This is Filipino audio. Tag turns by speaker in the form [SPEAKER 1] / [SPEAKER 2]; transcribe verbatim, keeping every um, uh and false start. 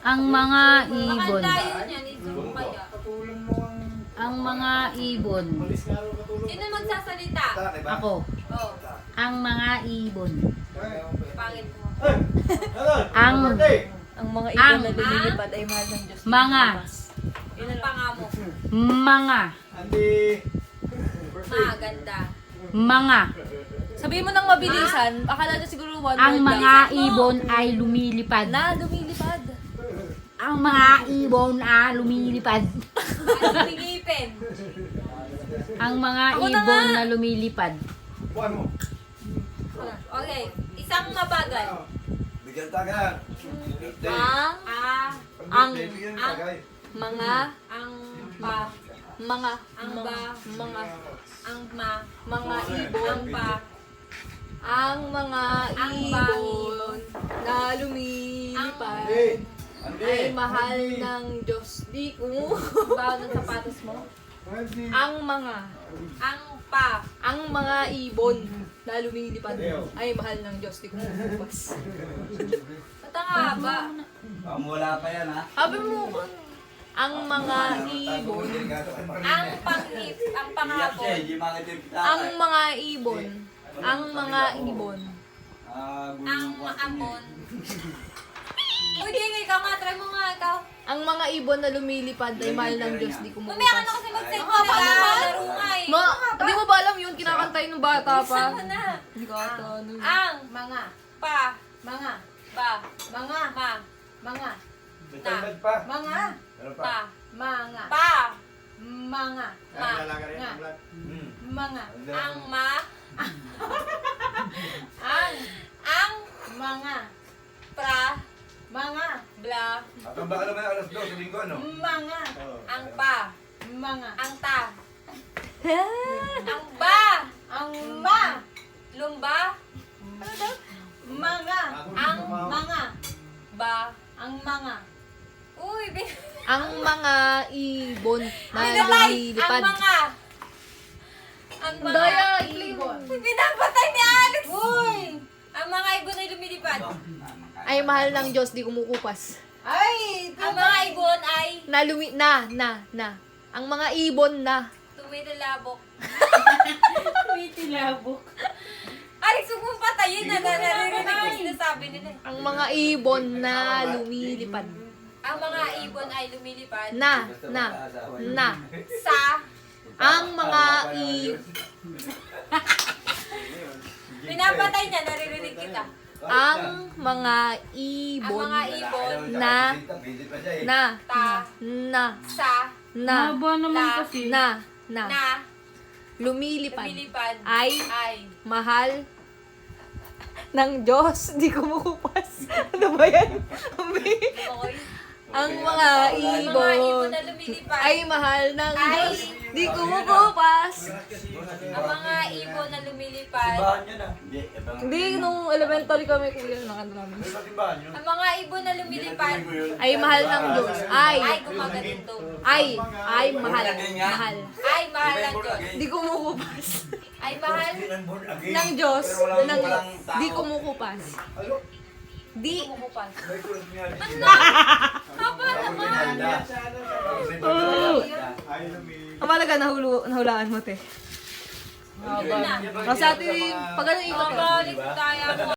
[SPEAKER 1] Ang mga ibon.
[SPEAKER 2] Baka tayo niyan, i-zoom kaya.
[SPEAKER 3] Katulong mo ang...
[SPEAKER 1] Ang mga ibon.
[SPEAKER 3] Malis nga raw katulong.
[SPEAKER 2] Sino magsasalita?
[SPEAKER 1] Ako.
[SPEAKER 2] Oh,
[SPEAKER 1] Ang mga ibon.
[SPEAKER 2] pangit mo.
[SPEAKER 1] Ang
[SPEAKER 4] Ang mga
[SPEAKER 1] Ang-
[SPEAKER 4] ibon na lumilipad ay mahal ng Diyos.
[SPEAKER 1] mga
[SPEAKER 2] Ano pa nga mo?
[SPEAKER 1] mga
[SPEAKER 3] Andi.
[SPEAKER 2] Maganda.
[SPEAKER 1] mga
[SPEAKER 4] Sabihin mo ng mabilisan, akala nyo siguro one
[SPEAKER 1] ang
[SPEAKER 4] word lang.
[SPEAKER 1] mga ibon ay lumilipad.
[SPEAKER 4] Na, lumilipad.
[SPEAKER 1] Ang mga ibon ay lumilipad.
[SPEAKER 2] Ano tingipin?
[SPEAKER 1] Ang mga
[SPEAKER 4] Ako na
[SPEAKER 1] ibon
[SPEAKER 4] nga.
[SPEAKER 1] na lumilipad.
[SPEAKER 3] Buwan mo.
[SPEAKER 2] Okay, isang mabagal.
[SPEAKER 5] Bigyan taga.
[SPEAKER 4] Ang,
[SPEAKER 2] Ah,
[SPEAKER 4] ang,
[SPEAKER 5] Bigyan
[SPEAKER 2] ang-
[SPEAKER 5] tagay.
[SPEAKER 4] mga,
[SPEAKER 2] ang pa,
[SPEAKER 4] mga,
[SPEAKER 2] ang
[SPEAKER 4] mga,
[SPEAKER 2] ba,
[SPEAKER 4] mga,
[SPEAKER 2] ang ma,
[SPEAKER 4] mga
[SPEAKER 2] ang
[SPEAKER 4] ibon,
[SPEAKER 2] pa,
[SPEAKER 4] ang mga
[SPEAKER 2] Ang
[SPEAKER 4] ibon na
[SPEAKER 3] Andi.
[SPEAKER 4] lumilipad
[SPEAKER 3] Andi.
[SPEAKER 4] ay mahal ng Diyos. Di ko.
[SPEAKER 2] bawa ng sapatos mo.
[SPEAKER 3] Andi.
[SPEAKER 4] Ang mga,
[SPEAKER 2] Ang pa,
[SPEAKER 4] ang mga ibon na lumilipad ay mahal ng Diyos. Di ko mabubukas.
[SPEAKER 2] ba't ang haba?
[SPEAKER 5] Ah, wala pa yan ha.
[SPEAKER 4] Sabi mo, ang mga ibon,
[SPEAKER 2] Ang panghip, ang pangapon.
[SPEAKER 4] ang mga ibon, ang mga ibon,
[SPEAKER 2] Ang maamon. Uy, di ikaw nga, try mo nga ikaw.
[SPEAKER 4] ang mga ibon na lumilipad ay mahal ng Diyos. Di ko
[SPEAKER 2] Mamaya ka na
[SPEAKER 4] mabubukas.
[SPEAKER 2] kasi mag-set
[SPEAKER 4] Ay,
[SPEAKER 2] mo na
[SPEAKER 4] paano ba?
[SPEAKER 2] laro nga eh.
[SPEAKER 4] Ma, di mo ba alam yun? Kinakantay ng bata pa.
[SPEAKER 2] Isa mo na.
[SPEAKER 4] Hindi ko ata ano.
[SPEAKER 2] Ang,
[SPEAKER 6] Mga,
[SPEAKER 2] pa,
[SPEAKER 6] mga,
[SPEAKER 2] ba,
[SPEAKER 6] mga,
[SPEAKER 2] ma,
[SPEAKER 6] mga,
[SPEAKER 3] Bitagdag pa.
[SPEAKER 6] mga,
[SPEAKER 3] Meron pa.
[SPEAKER 2] pa,
[SPEAKER 6] mga,
[SPEAKER 2] pa,
[SPEAKER 6] mga,
[SPEAKER 3] Kaya lalaga rin ang vlog.
[SPEAKER 5] Hmm.
[SPEAKER 6] mga,
[SPEAKER 2] ang ma,
[SPEAKER 6] ang,
[SPEAKER 2] ang,
[SPEAKER 6] mga,
[SPEAKER 2] pra,
[SPEAKER 6] mga,
[SPEAKER 2] bla,
[SPEAKER 5] At ang baka naman alas dos sa linggo ano?
[SPEAKER 6] mga,
[SPEAKER 2] ang pa,
[SPEAKER 6] mga,
[SPEAKER 2] ang ta, ang ba,
[SPEAKER 6] ang ma,
[SPEAKER 2] lumba,
[SPEAKER 6] mga,
[SPEAKER 2] ang
[SPEAKER 6] mga,
[SPEAKER 2] ba,
[SPEAKER 6] ang mga,
[SPEAKER 2] uy, bin,
[SPEAKER 4] Ang mga ibon na
[SPEAKER 2] binatay, ang
[SPEAKER 4] lumilipad.
[SPEAKER 2] mga, ang mga,
[SPEAKER 4] Daya,
[SPEAKER 6] ibon,
[SPEAKER 2] uy, binapatay ni Alex,
[SPEAKER 6] uy,
[SPEAKER 2] ang mga ibon ay lumilipad,
[SPEAKER 4] Ay mahal ng Diyos, di kumukupas.
[SPEAKER 6] ay,
[SPEAKER 2] ang mga ibon ay
[SPEAKER 4] Na lumi, na, na, na. Ang mga ibon na.
[SPEAKER 2] tumitilabok.
[SPEAKER 1] Tumitilabok.
[SPEAKER 2] Alex, huwag mong patayin na naririnig ko sinasabi nila. eh.
[SPEAKER 4] Ang mga ibon na lumilipad.
[SPEAKER 2] Ang mga ibon ay lumilipad
[SPEAKER 4] Na, na, na.
[SPEAKER 2] sa
[SPEAKER 4] Ang mga i...
[SPEAKER 2] pinapatay niya, naririnig kita.
[SPEAKER 4] Ang mga
[SPEAKER 2] Ang
[SPEAKER 4] ibon
[SPEAKER 2] mga ibon
[SPEAKER 4] na, na,
[SPEAKER 2] ta
[SPEAKER 4] na,
[SPEAKER 2] sa
[SPEAKER 4] na,
[SPEAKER 1] Haba naman
[SPEAKER 2] La.
[SPEAKER 1] kasi.
[SPEAKER 4] na, na.
[SPEAKER 2] na
[SPEAKER 4] Lumilipad.
[SPEAKER 2] lumilipad
[SPEAKER 4] Ay
[SPEAKER 2] ay
[SPEAKER 4] mahal ng Diyos. Di kumukupas. Ano ba yan?
[SPEAKER 2] okay.
[SPEAKER 4] Ang mga
[SPEAKER 2] Ang mga ibon
[SPEAKER 4] ibon
[SPEAKER 2] na lumilipad
[SPEAKER 4] ay mahal ng
[SPEAKER 2] Ay.
[SPEAKER 4] Diyos. Di kumukupas.
[SPEAKER 2] ang mga ibon na lumilipad
[SPEAKER 5] Simbahan yun ah. Hindi, ibang...
[SPEAKER 4] Hindi, nung elementary kami, kuya, nakanta namin.
[SPEAKER 5] May simbahan yun.
[SPEAKER 2] ang mga ibon na lumilipad
[SPEAKER 4] Ay mahal ng Diyos. Ay,
[SPEAKER 2] ay gumagalinto
[SPEAKER 4] ay, ay mahal. Mahal.
[SPEAKER 2] ay mahal ng Diyos
[SPEAKER 4] Di kumukupas.
[SPEAKER 2] ay mahal
[SPEAKER 4] Ng Diyos.
[SPEAKER 5] Pero wala
[SPEAKER 4] Ng,
[SPEAKER 5] walang tao.
[SPEAKER 4] di kumukupas. Di.
[SPEAKER 2] kumukupas
[SPEAKER 5] May kulas niya.
[SPEAKER 2] haba naman
[SPEAKER 3] Ay, lumi.
[SPEAKER 4] Ang malaga, nahulu, nahulaan mo, te.
[SPEAKER 2] Yun na.
[SPEAKER 4] Kasi ate, pag ano, ikot ka.
[SPEAKER 2] Mabalik tayo mo